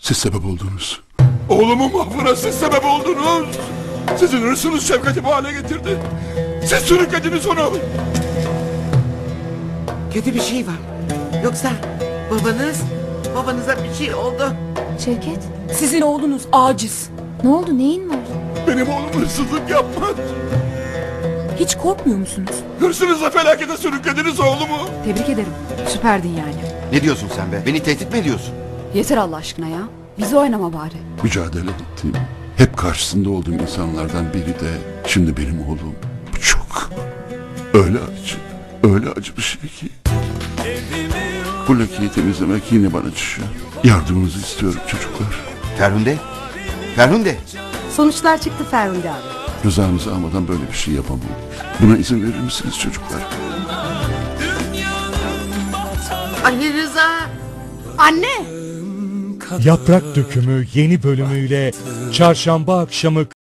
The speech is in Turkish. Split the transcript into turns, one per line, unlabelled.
Siz sebep oldunuz. Oğlumun mahvına siz sebep oldunuz. Sizin hırsınız Şevket'i bu hale getirdi. Siz sürüklediniz onu.
Kötü bir şey var. Yoksa babanıza bir şey oldu.
Şevket,
Sizin oğlunuz aciz.
ne oldu, neyin var?
Benim oğlum hırsızlık yapmaz.
Hiç korkmuyor musunuz?
Hırsınızla felakete sürüklediniz oğlumu.
Tebrik ederim. Süperdin yani.
Ne diyorsun sen be? Beni tehdit mi ediyorsun?
Yeter Allah aşkına ya. Bizi oynama bari.
Mücadele ettiğim, hep karşısında olduğum insanlardan biri de şimdi benim oğlum. Bu çok, öyle acı bir şey ki. Bu lekeyi temizlemek yine bana düşüyor. Yardımınızı istiyorum çocuklar.
Ferhunde? Ferhunde!
Sonuçlar çıktı Ferhunde abi.
Rızanızı almadan böyle bir şey yapamam. Buna izin verir misiniz çocuklar?
Ali Rıza.
Anne!
Yaprak Dökümü yeni bölümüyle çarşamba akşamı